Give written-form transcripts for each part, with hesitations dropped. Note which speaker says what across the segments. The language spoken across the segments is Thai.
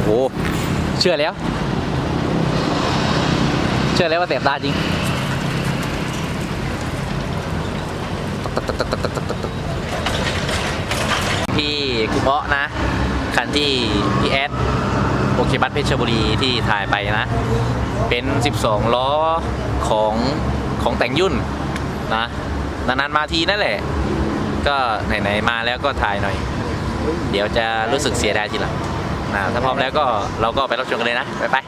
Speaker 1: โหเชื่อแล้วว่าเสียบตาจริงที่กุเบาะนะคันที่พี่แอดโอเคบัสเพชรบุรีที่ถ่ายไปนะเป็น12ล้อของแต่งยุ่นนะนานๆมาทีนั่นแหละก็ไหนๆมาแล้วก็ถ่ายหน่อยเดี๋ยวจะรู้สึกเสียดายทีหลังนะถ้าพร้อมแล้วก็เราก็ไปรับชมกันเลยนะไป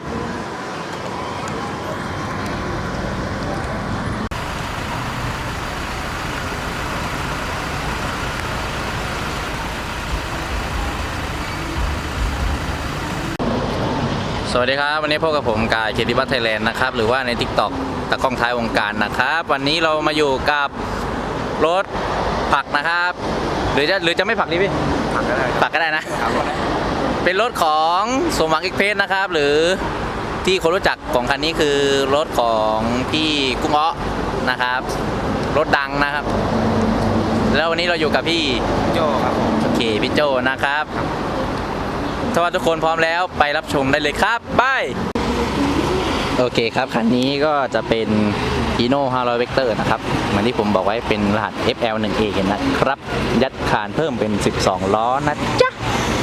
Speaker 1: สวัสดีครับวันนี้พบกับผมกายเคติบัตไทยแลนด์นะครับหรือว่าใน TikTok ตะกล้องท้ายวงการนะครับวันนี้เรามาอยู่กับรถผักนะครับหรือจะไม่ผักดีพี่ผักก็ได้นะเป็นรถของสมหวังอีกเพจนะครับหรือที่คนรู้จักของคันนี้คือรถของพี่กุ้งอ้อนะครับรถดังนะครับแล้ววันนี้เราอยู่กับพี่
Speaker 2: โจครับ
Speaker 1: โอเคพี่โจนะครับถ้าว่าทุกคนพร้อมแล้วไปรับชมได้เลยครับไปโอเคครับคันนี้ก็จะเป็น Hino 500 Vector นะครับเหมือนที่ผมบอกไว้เป็นรหัส FL1A นะครับยัดคานเพิ่มเป็น12ล้อนะจ๊ะ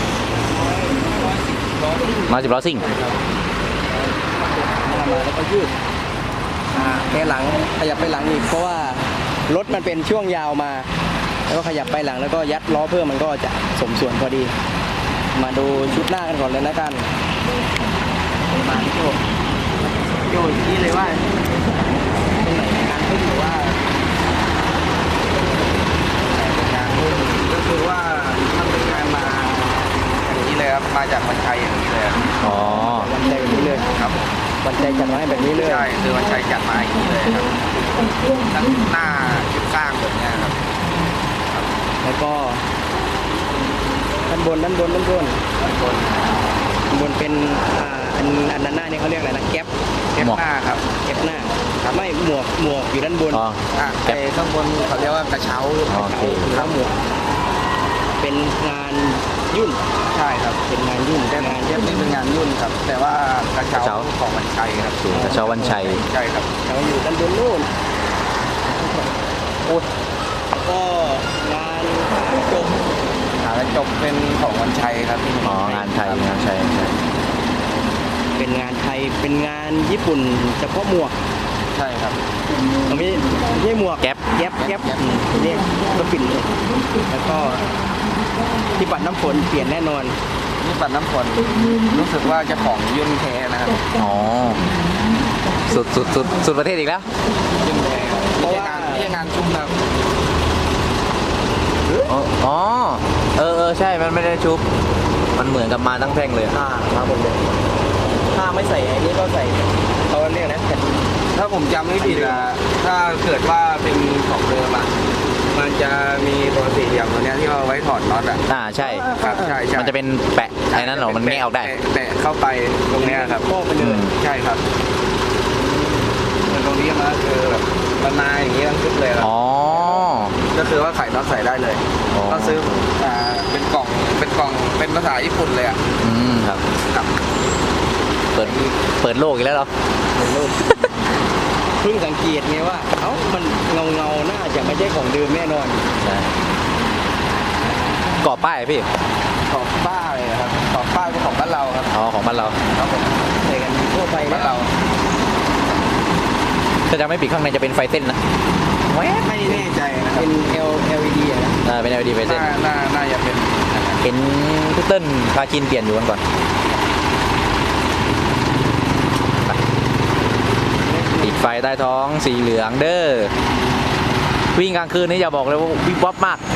Speaker 1: 110ล้อซิ่ง
Speaker 2: แล้วก็ยืดแค่หลังขยับไปหลังอีกเพราะว่ารถมันเป็นช่วงยาวมาแล้วก็ขยับไปหลังแล้วก็ยัดล้อเพิ่มมันก็จะสมส่วนพอดีมาดูชุดหน้ากันก่อนเลยนะกันมาที่โยนี่เลยว่าตรงไหนงานขึ้นหรือว่างานขึ้นก็คือว่าทำเป็นงานมาอย่างนี้เลยครับมาจากวันชัยอย่างนี้เลย
Speaker 1: อ๋อ
Speaker 2: วันชัยแบบนี้เลยครับวันชัยจัดมาให้แบบนี้เลยใช่คือวันชัยจัดมาอย่างนี้เลยครับทั้งหน้าชุดข้างแบบนี้ครับแล้วก็ด้านบนเป็นอันด้านหน้านี่เขาเรียกอะไรนะแก๊ปหน้าครับแก๊ปหน้าไม่หมวกอยู่ด้านบนแต่ข้างบนเขาเรียกว่ากระเช้าแล้วหมวกเป็นงานยุ่นใช่ครับเป็นงานยุ่นแต่งานแก๊ปนี่เป็นงานยุ่นครับแต่ว่ากระเช้าของวันชัยครับ
Speaker 1: กระเช้าวันชัย
Speaker 2: ใช่ครับเราอยู่ด้านบนนู่นโอ้ก็งานจบเป็นของวันชัยครับ
Speaker 1: อ๋องานไทย
Speaker 2: เป็นงานไทยเป็นงานญี่ปุ่นเฉพาะหมวกใช่ครับไม่ใช่หมวก
Speaker 1: แก๊ป
Speaker 2: เรียกก็ปิ่นแล้วก็ที่ปัดน้ำฝนเปลี่ยนแน่นอนที่ปัดน้ำฝนรู้สึกว่าจะของยุ่นแท้นะครับ
Speaker 1: อ๋อสุดประเทศอีกแล้ว
Speaker 2: ยุ่นแท้เพราะว่าที่งานชุบครับ
Speaker 1: อ๋อใช่มันไม่ได้ชุบมันเหมือนกับมาตั้งแท่งเลย
Speaker 2: มาหมดเลยถ้าไม่ใส่อันนี้ก็ใส่เขาเรียกนะถ้าผมจำไม่ผิดอะถ้าเกิดว่าเป็นของเดิมอะมันจะมีตัวสี่เหลี่ยมตัวนี้ที่เราไว้ถอดน็อตอะ
Speaker 1: ใช่
Speaker 2: ครับใช่
Speaker 1: มันจะเป็นแปะไอ้นั่นหรอมันแงะออกได้
Speaker 2: แปะเข้าไปตรงนี้ครับก็ไปเลยใช่ครับตรงนี้มันคือแบบบรรณาอย่างนี้ทั้งชุดเลย
Speaker 1: อ๋อ
Speaker 2: ก็คือว่าไขน็อตใส่ได้เลยก็ซื้อเป็นกล่องเป็นภาษาญี่ปุ่นเลยอ่ะ
Speaker 1: ครับเปิดโลกอีกแล้วเหรอ
Speaker 2: เปิดโลกเพิ่งสังเกตไงว่ามันเงาน่าจะไม่ใช่ของเดิมแน่นอน
Speaker 1: ใช่ก่อป้ายพี่
Speaker 2: ก่อป้ายนะครับก่อป้ายเป็นของบ้านเราครับ
Speaker 1: อ๋อของบ้านเรา
Speaker 2: ครับผมใส่กันทั่วไปบ้านเรา
Speaker 1: ถ้าจะไม่ปิดข้างในจะเป็นไฟเส้นนะ
Speaker 2: ไม่แน่ใจนะเป็น LED นะ
Speaker 1: เป็น LED ไฟเส้น
Speaker 2: น่าจะเป็น
Speaker 1: เห็นพี่เติ้ลพาคินเปลี่ยนอยู่กันก่อนติดไฟใต้ท้องสีเหลืองเด้อวิ่งกลางคืนนี่อย่าบอกเลยว่าวิบวับมาก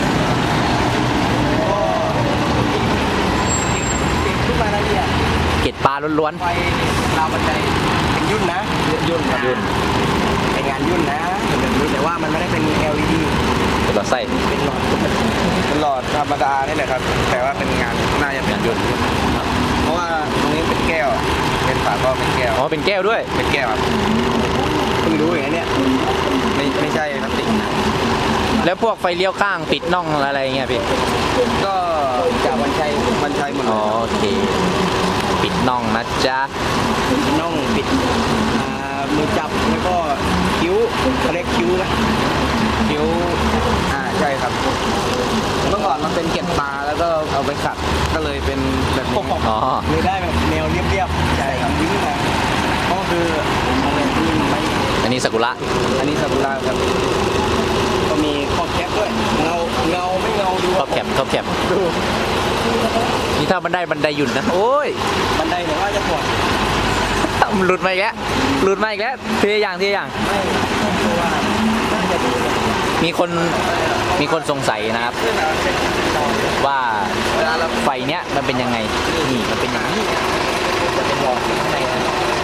Speaker 2: ขึ้นมาแล้วเนี่ย
Speaker 1: เกล็ดปลาล้วน
Speaker 2: ๆไฟเรามันจะเป็นยุ่นนะยุ่นเป็นงานยุ่นนะแบบนี้แต่ว่ามันไม่ได้เป็น LED
Speaker 1: เป็นหลอดไส้
Speaker 2: เป็นหลอดธรรมดานี่แหละครับแต่ว่าเป็นงานน่าจะเป็นยุ่นเพราะว่าตรงนี้เป็นแก้วเป็นฝาก็เป็นแก้ว
Speaker 1: อ๋อเป็นแก้วด้วย
Speaker 2: เป็นแก้วเพิ่งรู้อย่างนี้ไม่ใช่พลาสติกนะ
Speaker 1: แล้วพวกไฟเลี้ยวข้างปิดน่องอะไรเงี้ยพี่
Speaker 2: ก็จากวันชัยหมด
Speaker 1: อ๋อโอเคปิดน่องนะจ๊ะ
Speaker 2: น่องปิดมือจับแล้วก็คิ้วเขาเรียกคิ้วไหมคิ้ว
Speaker 3: ใช่ครับเมื่อก่อนมันเป็นเกล็ดปลาแล้วก็เอาไปขัดก็เลยเป็นแบบนี้
Speaker 1: อ๋อ
Speaker 2: เลยได้แบบแนวเรียบๆใช่ครับยิ้มมาก็คืออะไรที่ไม่
Speaker 1: อันนี้ซากุระ
Speaker 3: อันนี้ซากุระครับ
Speaker 2: ก็มีขอบแคปด้วยเงาไม่เงาดู
Speaker 1: ครอบแคปครอบแคป
Speaker 2: ดู
Speaker 1: นี่ถ้าบันไดหยุ่นนะโอ้ย
Speaker 2: บันไดเนี่ยว่าจะปวด
Speaker 1: หลุดมาอีกแล้วหลุดมาอีกแล้วทีละอย่าง
Speaker 2: ไม่เพราะว่าน่าจะดีนะ
Speaker 1: มีคนสงสัยนะครับ ว่าไฟเนี้ยมันเป็นยังไงนี่มันเป็นอย่างนี้จะเป็นหลอดข้างในนะ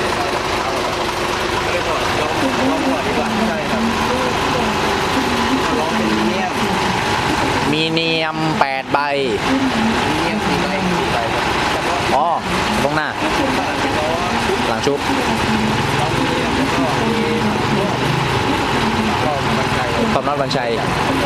Speaker 2: ไม่ได้ปวดลองปวดดีกว่าใช่ครับลองเป็นเนียม
Speaker 1: มีเนียม8ใบ
Speaker 2: เนียม4 ใบครับแต่ว่า
Speaker 1: อ๋อตรงหน้า
Speaker 2: ผมว่าเป็นล้อ
Speaker 1: หลังชุบ
Speaker 2: ลองเนียมแล้วก็มีก็มันใจ
Speaker 1: ความน็อตวันชัย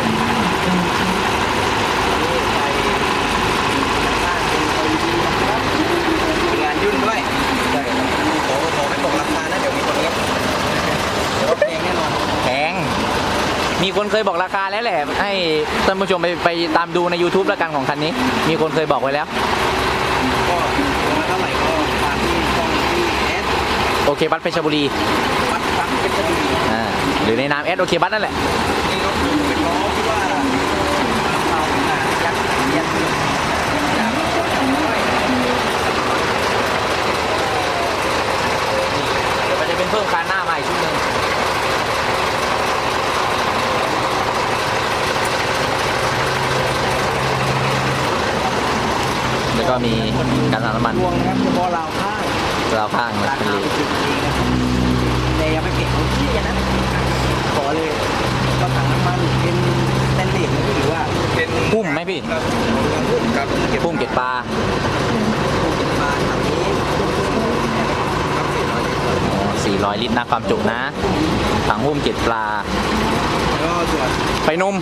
Speaker 2: งานยุ่นด้วยใช่ครับขอไม่ตกราคานะเดี๋ยวมีคนเนี้ยเดี๋ยวแพงแน่นอน
Speaker 1: แพงมีคนเคยบอกราคาแล้วแหละให้ท่านผู้ชมไปตามดูใน YouTube แล้วกันของคันนี้ มีคนเคยบอกไว้แล้ว
Speaker 2: ก็มาเท่าไหร่ก็ตามที่ช่องที่เอส
Speaker 1: โอเคบัสเพชรบุรี
Speaker 2: วัดฟักเป็นจะดี
Speaker 1: หรือในนามโอเคบัสนั่นแหละ
Speaker 2: นี่รถเป็นล้อที่ว่าเอายัดยัด
Speaker 1: เดี๋ยวมันจะเป็นเพิ่มคานหน้ามาอีกชุดหนึ่งแล้วก็มีการสั่งน้ำมัน
Speaker 2: รวงนะครับเฉพาะราวข้าง
Speaker 1: ราวข้าง
Speaker 2: รา
Speaker 1: นะ
Speaker 2: คาเป็น10 ปีนะครับแต่ยังไม่เก็บเอาที่กันนะขอเลยก็ถังน้ำมันเป็นสแตนเลสนะพี่หรือว่า
Speaker 3: เป็น
Speaker 1: พุ่มไหมพี่
Speaker 3: ครับเก็บ
Speaker 1: พุ่มเก็บปลา
Speaker 2: มาถังนี้
Speaker 3: ครับ
Speaker 1: 400 ลิตรนะความจุนะถังหุ้มเก็บปลา
Speaker 2: แล้วก็ส่วน
Speaker 1: ไฟนุ่ม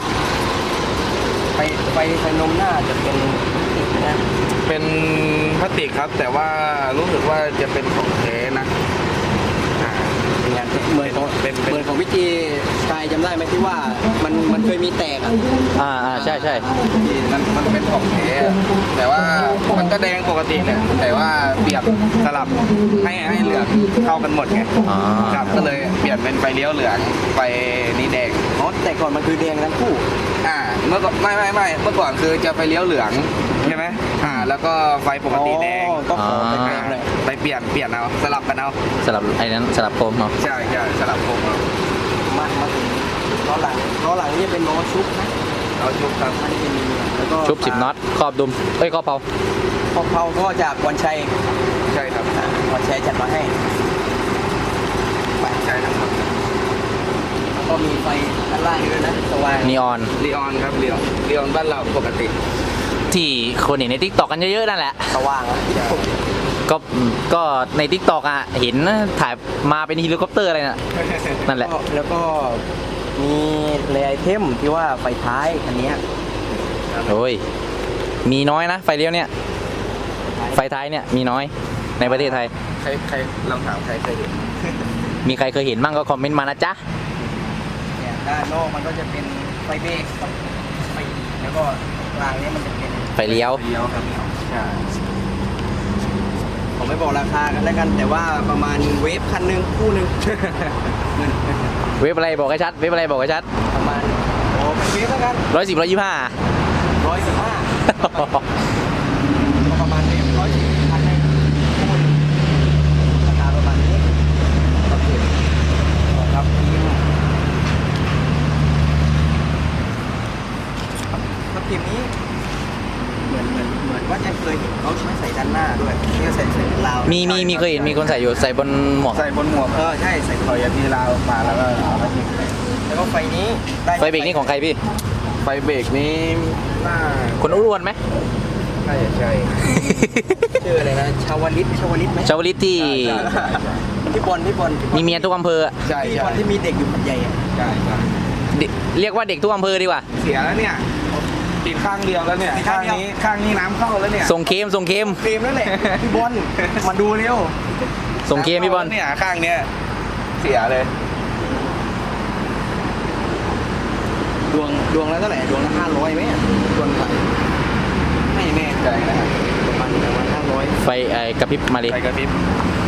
Speaker 2: ไฟนมหน้าจะเป็นติดนะ
Speaker 3: เป็นพลาสติกครับ แต่ว่ารู้สึกว่าจะเป็นของแท้นะอ่า
Speaker 2: เป็นงานเหมือนของ
Speaker 3: เป็น
Speaker 2: เหมือนของวิจีสกายจำได้ไหมที่ว่ามันเคยมีแตกอ่ะ
Speaker 1: ใช่
Speaker 3: ที่มันเป็นของแท้อะแต่ว่ามันก็แดงปกติแหละแต่ว่าเปลี่ยนสลับให้เหลืองเข้ากันหมดไง
Speaker 1: อ๋อ
Speaker 3: ครับก็เลยเปลี่ยนเป็นไฟเลี้ยวเหลืองไฟนี้แดง
Speaker 2: อ๋อแต่ก่อนมันคือแดงทั้งคู่
Speaker 3: เมื่อก่อนไม่เมื่อก่อนคือจะไฟเลี้ยวเหลืองใช่ไหมแล้วก็ไฟปกติแดง
Speaker 2: อ๋อก็ขอไปแดงเลย
Speaker 3: ไปเปลี่ยนเอาสลับกันเอา
Speaker 1: สลับไอ้นั้นสลับโคมเนาะ
Speaker 3: ใช่สลับโคมเอา
Speaker 2: มาถึงล้อหลังนี่จะเป็นล้อชุบนะ
Speaker 3: เอาชุบครับ
Speaker 2: อันนี้เป็นแล้วก็
Speaker 1: ชุบ10 น็อตครอบดุมครอบเผา
Speaker 2: พอเผาก็จากวันชัย
Speaker 3: ใช่ครับ
Speaker 2: วันชัยจัดมาให้ไป
Speaker 3: ใช่ครับ
Speaker 2: ก็มีไฟด้านล่างด้วยนะสว่าง
Speaker 1: นีออน
Speaker 3: ลีออนครับลีออนบ้านเราปกติ
Speaker 1: ที่คนเห็นใน TikTok กันเยอะๆนั่นแหละ
Speaker 2: สว่างอะ
Speaker 1: ก็ใน TikTok อ่ะเห็นถ่ายมาเป็นเฮลิคอปเตอร์อะไรน่ะนั่นแหละ
Speaker 2: แล้วก็มีเลไอเทมที่ว่าไฟท้ายคันเนี้ย
Speaker 1: โอ้ยมีน้อยนะไฟเลี้ยวเนี่ย ไฟท้ายเนี่ยมีน้อยในประเทศไทย
Speaker 3: ใครลองถามใครเคยเห็น
Speaker 1: มีใครเคยเห็นบ้างก็คอมเมนต์มานะจ๊ะ
Speaker 2: เนี่ยด้านนอกมันก็จะเป็นไฟเบรกกับไฟแล้วก็กลางเนี้ยมันจะเป็น
Speaker 1: ไฟเลี้ยว
Speaker 3: เลี้ยวครับใช่
Speaker 2: ผมไม่บอกราคากันแล้วกัน แต่ว่าประมาณเวฟคันหนึ่งคู่หนึ่ง
Speaker 1: เว็บอะไรบอกให้ชัด เว็บอะไรบอกให้ชัด
Speaker 2: ประมาณโอ้เป็นเวฟแล้วกัน
Speaker 1: 110 125
Speaker 2: 115ประมาณเวฟ110คันหนึ่งคู่หนึ่งราคาประมาณนี้ครับทีมครับทีมครับทีมนี้เหมือนว่าจะเคยเห็นเขาใส่ด้านหน้าด้วยที่เขาใส่ราว
Speaker 1: มีเคยเห็นมีคนใส่อยู่ใส่บนหมวก
Speaker 3: ใส่บนหมวก
Speaker 2: ใช่ใส่
Speaker 3: ถอยทีลาวมาแล้วก็เอามาทิ้ง
Speaker 2: แล้วก็ไฟนี้ได้
Speaker 1: ไฟเบรกนี่ของใครพี่
Speaker 3: ไฟเบรกนี้น่า
Speaker 1: คนอ้วนไหม
Speaker 3: น่าจะใช่
Speaker 2: ชื่ออะไรนะชาวลิตไหม
Speaker 1: ชาวลิตที่
Speaker 2: พี่บอล
Speaker 1: มีเมียทุกอำเภออะ
Speaker 3: ใช่
Speaker 2: พี่บอลที่มีเด็กอยู่พันใหญ่อะ
Speaker 3: ใช่
Speaker 1: เรียกว่าเด็กทุกอำเภอดีกว่า
Speaker 3: เสียแล้วเนี่ยติดข้างเดียวแล้วเนี่ย
Speaker 2: ติดข้างเดียว
Speaker 3: ข้างนี้น้ำเข้าแล้วเนี่ย
Speaker 1: ส่งเค็มส่งเค็ม
Speaker 2: เฟรมนั่นแหละพี่บอลมาดูเร็ว
Speaker 1: ส่งเค็มพี่บอล
Speaker 3: เนี่ยข้างเนี้ยเสียเลย
Speaker 2: ดวงละเท่าไหร่ดวงละ500ไหมดวงไหลไม่แน่ใจนะครับประมาณ500
Speaker 1: ไฟกระพริบมาเลย
Speaker 3: ไฟกระพริบ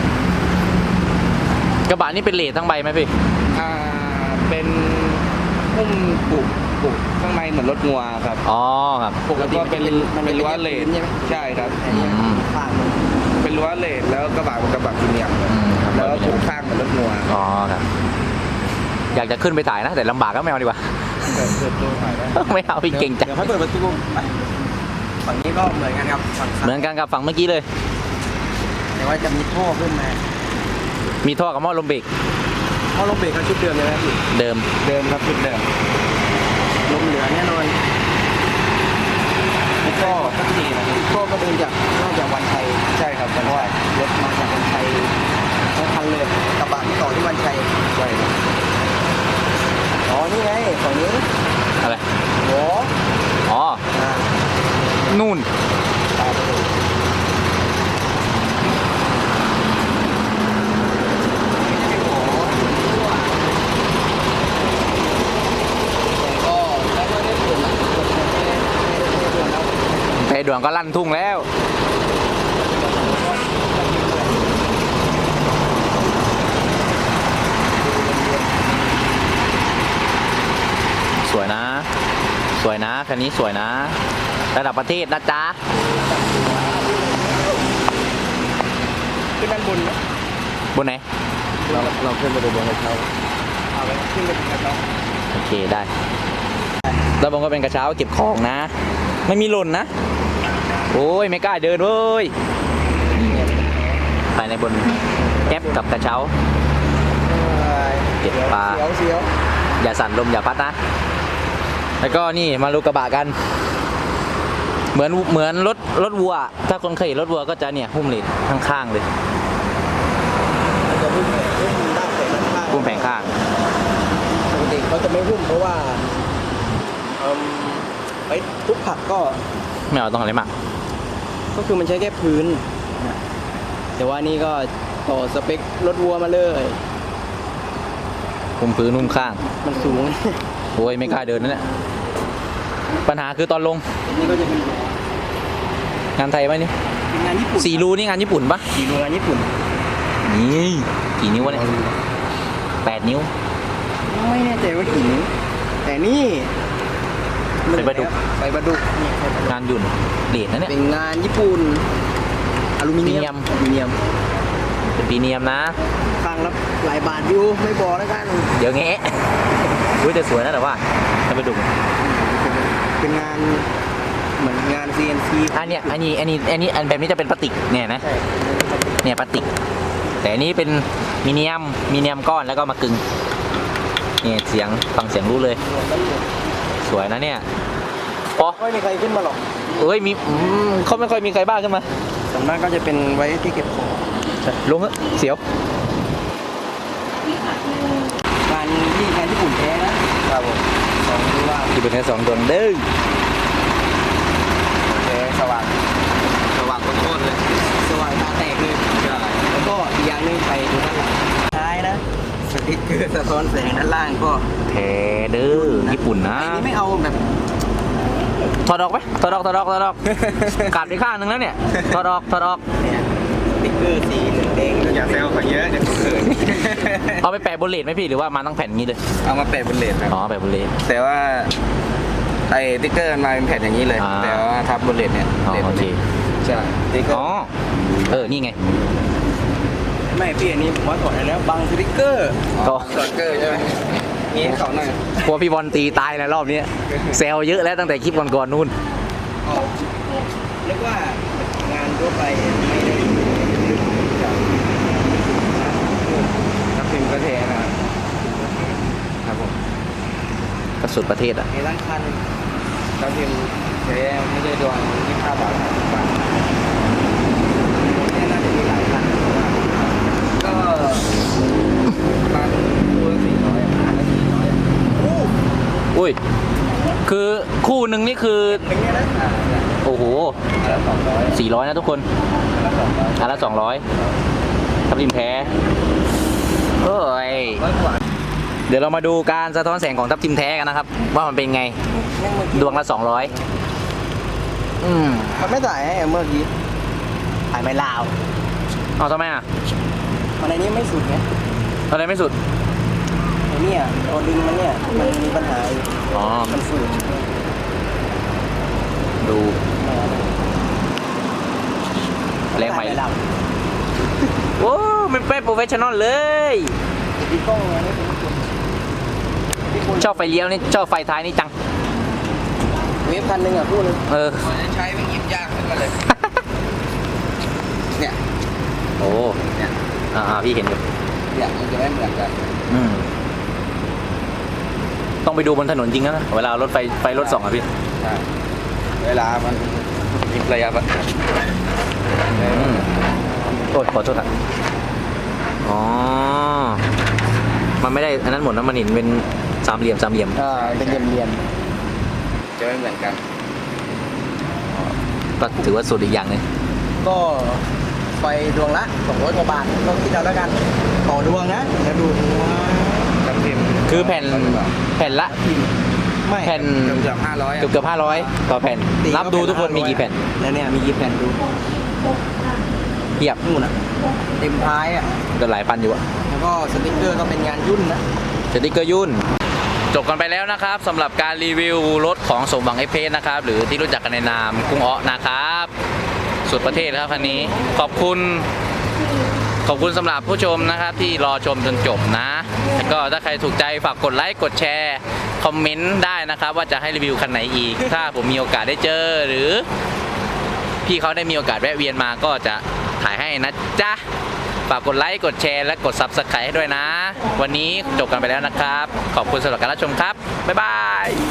Speaker 1: กระบะนี่เป็นเลททั้งใบไหมพี่
Speaker 3: เป็นหุ้มปุกข้างในเหมือนรถงัวครับ
Speaker 1: อ๋อครับ
Speaker 3: ปกติเป็นรั้วเลน
Speaker 2: ใช่ไหม
Speaker 3: ใช่ครับ
Speaker 2: อันนี้ข้างมัน
Speaker 3: เป็นรั้วเลนแล้วกระบะเป็นกระบะพรีเมียม
Speaker 1: ครับ
Speaker 3: แล้วก็ถูกข้างเหมือนรถงัว
Speaker 1: อ๋อครับอยากจะขึ้นไปถ่ายนะแต่ลำบากก็ไม่เอาดีกว่า
Speaker 3: เปิดตัวหน่อยได้
Speaker 1: ไม่เอาพี่เก่งจัง
Speaker 2: เดี๋ยวให้เปิดประตูไปฝั่งนี้ก็เหมือนกันครับฝั่ง
Speaker 1: เหมือนกันกับฝั่งเมื่อกี้เลย
Speaker 2: แต่ว่าจะมีท่อขึ้นมา
Speaker 1: มีท่อกับหม้อลมเบรก
Speaker 2: ท่อลมเบรกก็ชุดเดิมเลยนะพี่
Speaker 1: เดิม
Speaker 3: เดิมครับชุดเดิม
Speaker 2: ลมเหลือแน่นอนแล้วก็ก็เดินจากน่าจะวันชัย
Speaker 3: ใช่ครับ
Speaker 2: เพราะว่ารถมาจากวันชัยทั้งคันเลยกระบะที่ต่อที่วันชัย
Speaker 3: ใช่ครับ
Speaker 2: อ๋อนี่ไงฝั่งนี้
Speaker 1: อะไร
Speaker 2: โอ้
Speaker 1: อ๋อ
Speaker 2: อ่า
Speaker 1: นู่น
Speaker 2: ตามไปดู
Speaker 1: ไปด่วนก็ลั่นทุ่งแล้ว สวยนะ สวยนะคันนี้สวยนะ ระดับประเทศนะจ๊ะ
Speaker 2: ขึ้นด้านบนไหม
Speaker 1: บนไหน
Speaker 2: เราขึ้นไปดูบนกระเช้าเอาไปขึ้นไปดูกระเช้า
Speaker 1: โอเคได้แล้วผมก็เป็นกระเช้าเก็บของนะ ไม่มีหล่นนะ โอ้ยไม่กล้าเดินเว้ยภายในบนแก๊ปกับกระเช้า เก็บปลา
Speaker 2: เสียว
Speaker 1: อย่าสั่นลมอย่าพัดนะ แล้วก็นี่มาดูกระบะกัน เหมือนรถวัว ถ้าคนเคยเห็นรถวัวก็จะเนี่ยหุ้มเหล็กข้างๆเลย
Speaker 2: มันจะหุ้มด้านแผงด้านข้าง
Speaker 1: หุ้มแผงข้าง
Speaker 2: ปกติเขาจะไม่หุ้มเพราะว่าไปทุกผักก็
Speaker 1: ไม่เอาต้องอะไรมาก
Speaker 2: ก็คือมันใช้แค่พื้น แต่ว่านี่ก็ต่อสเปครถวัวมาเลย
Speaker 1: หุ้มพื้นหุ้มข้าง
Speaker 2: มันสูง
Speaker 1: โอ้ยไม่กล้าเดินนั่นแหละปัญหาคือตอนลง
Speaker 2: นี่ก็จะเป็น
Speaker 1: งานไทยไหมนี่
Speaker 2: งานญี่ปุ่น
Speaker 1: 4 รูนี่งานญี่ปุ่นปะ
Speaker 2: สีโรงงานญี่ปุ่น
Speaker 1: นี่กี่นิ้ววะเนี่ย8 นิ้ว
Speaker 2: ไม่แน่ใจว่ากี่นิ้วแต่นี่
Speaker 1: ใส่ปลาดุก
Speaker 2: ใส่ปลาดุกนี่ใส่ปลาดุก
Speaker 1: งานยุ่นเหรียญนะเนี่ย
Speaker 2: เป็นงานญี่ปุ่นอลูมิเนียม
Speaker 1: อลูมิเนียม
Speaker 2: อลูมิเนียม
Speaker 1: เป็นปีเนียมนะ
Speaker 2: ฟังแล้วหลายบาทอยู่ไม่บอกแล้วกัน
Speaker 1: เดี๋ยวแงะอุ้ยแต่สวยนะแต่ว่าจะไปดู
Speaker 2: เป็นงานเหมือนงาน CNC
Speaker 1: อันแบบนี้จะเป็นพลาสติกเนี่ยนะ
Speaker 2: ใช่
Speaker 1: เนี่ยพลาสติก แต่อันนี้เป็นมีเนียมก้อนแล้วก็มากึงเนี่ยเสียงฟังเสียงรู้เลย สวยนะเนี่ยพอ
Speaker 2: ไม่มีใครขึ้นมาหรอก
Speaker 1: เอ้ยมีเขาไม่ค่อยมีใครบ้าขึ้นมา
Speaker 2: ส่วนมากก็จะเป็นไว้ที่เก็บของ
Speaker 1: ลงเถอะเสียว
Speaker 2: งานญี่ปุ่นแท้นะครับผมสองที่ว่า
Speaker 1: ที่เป็นแค่2 ดวงเด้อ
Speaker 3: โอเคสว่างโคตรเลย
Speaker 2: สว่างตาแตกเลย
Speaker 3: ใช่
Speaker 2: แล้วก็อีกอย่างหนึงไปดูด้านหลังท้ายนะสติ๊กเกอร์สะท้อนแสงด้านล่างก็
Speaker 1: แท้เด้อญี่ปุ่นนะ
Speaker 2: ไอ้นี่ไม่เอาแบบ
Speaker 1: ถอดออกไหมถอดออกขาดไปข้างนึงแล้วเนี่ยถอดออก
Speaker 2: เนี่ยสติ๊กเกอร์สีแดงๆ
Speaker 3: อย่าเซลเขาเยอะเดี๋ยวเขาเขิน
Speaker 1: เอาไปแปะบนเลดไหมพี่หรือว่ามาตั้งแผ่นงี้เลย
Speaker 3: เอามาแปะบนเลนครับ
Speaker 1: อ๋อแปะบนเลด
Speaker 3: แต่ว่าไอ้ติ๊กเกอร์มันมาเป็นแผ่นอย่างนี้เลย
Speaker 1: อ่า
Speaker 3: แต่ว่าทับบนเลนเนี่ย
Speaker 1: อ๋อ
Speaker 3: ลน
Speaker 1: โอเค
Speaker 3: ใช่ติ๊กเกอ
Speaker 1: อ๋อ
Speaker 3: ร์
Speaker 1: นี่ไง
Speaker 2: ไม่พี่อันนี้ผมว่าถอดได้แล้วบังสติ๊กเกอร์
Speaker 1: ก็
Speaker 3: สติ๊กเกอร์ใช่ไหมนี่ให้เขาหน่อย
Speaker 1: กลัวพี่บอลตีตายแล้วรอบนี้แซวเยอะแล้วตั้งแต่คลิปก่อนๆนู่น
Speaker 2: เรียกว่างานทั่วไปไม่ได้
Speaker 3: ทับทิมก็เทนะครับครับผม
Speaker 1: ก็สุดประเทศอ่ะ
Speaker 2: ในร้านคัน
Speaker 3: ทับทิมเทไม่ใช่ดวง25 บาท30 บาท
Speaker 2: เนี่ยน่าจะมีหลายคัน
Speaker 3: ก็ประมาณคู่ละ400
Speaker 1: อุ้ยคือคู่ตู้หนึ่งนี่คือ
Speaker 2: หนึ่งเนี่ยนะ
Speaker 1: โอ้โห
Speaker 3: 200
Speaker 1: 400นะทุกคนอันละ200ทับทิมแท้เอ้ย เดี๋ยวเรามาดูการสะท้อนแสงของทับทิมแท้กันนะครับ ว่ามันเป็นไง ดวงละ200
Speaker 2: มันไม่ถ่ายให้เมื่อกี้ถ่ายไม่ลาว
Speaker 1: เอาทำไมอ่ะ
Speaker 2: มันในนี้ไม่สุดไง
Speaker 1: อะไรไม่สุด
Speaker 2: ไอ้เนี่ยตัวดึงมันเนี่ยมันมีปัญหาอยู่
Speaker 1: อ๋อ
Speaker 2: มันฝืด
Speaker 1: ดูแรงไหม
Speaker 2: ถ่ายไม่ลาว
Speaker 1: โอ้มันเป็นโปรเฟชชั่นอลเลย
Speaker 2: มีกล้องไงนี่คุณ
Speaker 1: ชอบไฟเลี้ยวนี่ชอบไฟท้ายนี่จัง
Speaker 2: เวฟคันหนึ่งอ่ะพูดเลย
Speaker 1: เออ
Speaker 3: ใช้เป็นยิบยากขึ้นมาเลย เนี่ย
Speaker 1: โอ้
Speaker 3: เนี่ย
Speaker 1: พี่เห็นอยู่
Speaker 3: เนี่ยมันจะไม่เหมือนกัน
Speaker 1: ต้องไปดูบนถนนจริงนะเวลารถไฟรถส่องอะพี่
Speaker 3: ใช่เวลามันยิบระยะประชัน
Speaker 1: โอ้ยขอโทษครับอ๋อ มันไม่ได้อันนั้นหมดนะมันเห็นเป็นสามเหลี่ยม
Speaker 2: เป็นเรียน
Speaker 3: จะไม่เหมือนกัน
Speaker 1: ก็ถือว่าสุดอีกอย่างหนึง
Speaker 2: ๆก็ไฟดวงละ200กว่าบาทก็คิดเอาแล้วกันต่อดวงนะเดี๋ยวดู
Speaker 3: กับพิม
Speaker 1: คือแผ่นละ
Speaker 2: ไม่
Speaker 1: แผ่น
Speaker 3: เกือบ500
Speaker 1: เกือบ500ต่อแผ่น นับดูทุกคนมีกี่แผ่น
Speaker 2: แล้วเนี่ยมีกี่แผ่นดู
Speaker 1: เทียบ
Speaker 2: นู่นอ่ะเต็มท้ายอ่ะ
Speaker 1: ก็หลายพันอยู่อะ
Speaker 2: แล้วก็สติ๊กเกอร์ก็เป็นงานยุ่นนะ
Speaker 1: สติ๊กเกอร์ยุ่น จบกันไปแล้วนะครับสำหรับการรีวิวรถของสมหวังเอฟเพสนะครับหรือที่รู้จักกันในนามกุ้งอ้อนะครับสุดประเทศครับคันนี้ขอบคุณสำหรับผู้ชมนะครับที่รอชมจนจบนะแล้วก็ถ้าใครถูกใจฝากกดไลค์กดแชร์คอมเมนต์ได้นะครับว่าจะให้รีวิวคันไหนอีก ถ้าผมมีโอกาสได้เจอหรือพี่เขาได้มีโอกาสแวะเวียนมาก็จะถ่ายให้นะจ๊ะฝากกดไลค์กดแชร์และกด Subscribe ให้ด้วยนะวันนี้จบกันไปแล้วนะครับขอบคุณสำหรับการรับชมครับบ๊ายบาย